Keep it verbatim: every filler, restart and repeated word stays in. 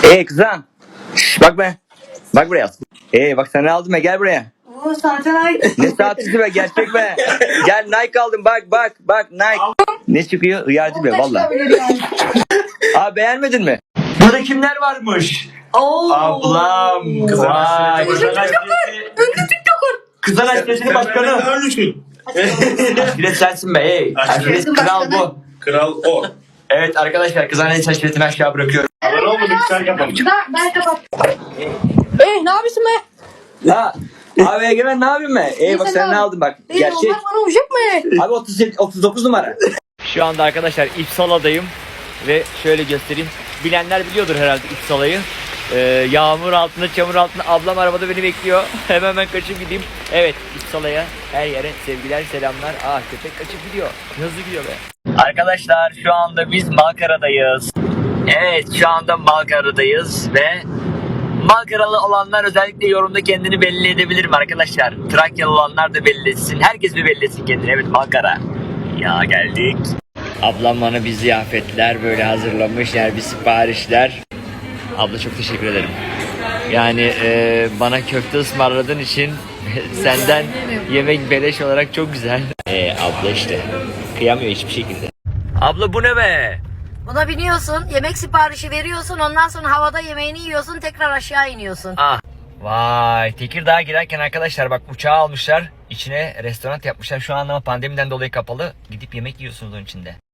Hey kızım. Şş, bak be. Bak buraya. Hey bak sana aldım be, gel buraya. Oo zaten Nike. Ne saatisi be, gerçek be. Gel Nike aldım, bak bak bak Nike. Ne çıkıyor? Hıyarcı be valla. Çıkabilir yani. Abi beğenmedin mi? Burada kimler varmış? Oo. Ablam. Kızlar Vay. aşireti Kızlar başkanı. TikToker. Kızlar aşiretinin başkanı. Aşiret sensin be. Hey. Aşiret Aşiretin kral başkanı. bu. Kral o. Evet arkadaşlar, kızlar aşiretini aşağı bırakıyorum. Abone olmadık sen yapalım. Ben, ben kapat. Eh ne yapıyorsun be? Ha. Abi Egemen ne yapayım be? Ey bak sen sen ne ne aldın bak. Eh, Gerçek. onlar bana uyacak mı? Abi otuz sekiz, otuz dokuz numara. Şu anda arkadaşlar İpsala'dayım ve şöyle göstereyim. Bilenler biliyordur herhalde İpsala'yı. Ee, yağmur altında, çamur altında ablam arabada beni bekliyor. Hemen ben kaçıp gideyim. Evet, İpsala'ya, her yere sevgiler, selamlar. Ah, köpek kaçıp gidiyor. Hızlı gidiyor be. Arkadaşlar şu anda biz Malkara'dayız. Evet, şu anda Malkara'dayız ve Malkaralı olanlar özellikle yorumda kendini belli edebilirim arkadaşlar. Trakyalı olanlar da belli etsin. Herkes bir belli etsin kendini. Evet, Malkara. Ya geldik. Ablam bana bir ziyafetler böyle hazırlamış. Yani bir siparişler. Abla çok teşekkür ederim. Yani e, bana köfte ısmarladığın için senden yemek beleş olarak çok güzel. E, abla işte. Kıyamıyor hiçbir şekilde. Abla bu ne be? Buna biniyorsun, yemek siparişi veriyorsun, ondan sonra havada yemeğini yiyorsun, tekrar aşağı iniyorsun. Ah. Vay, Tekirdağ'a girerken arkadaşlar bak uçağı almışlar. İçine restoran yapmışlar. Şu an ama pandemiden dolayı kapalı. Gidip yemek yiyorsunuz onun içinde.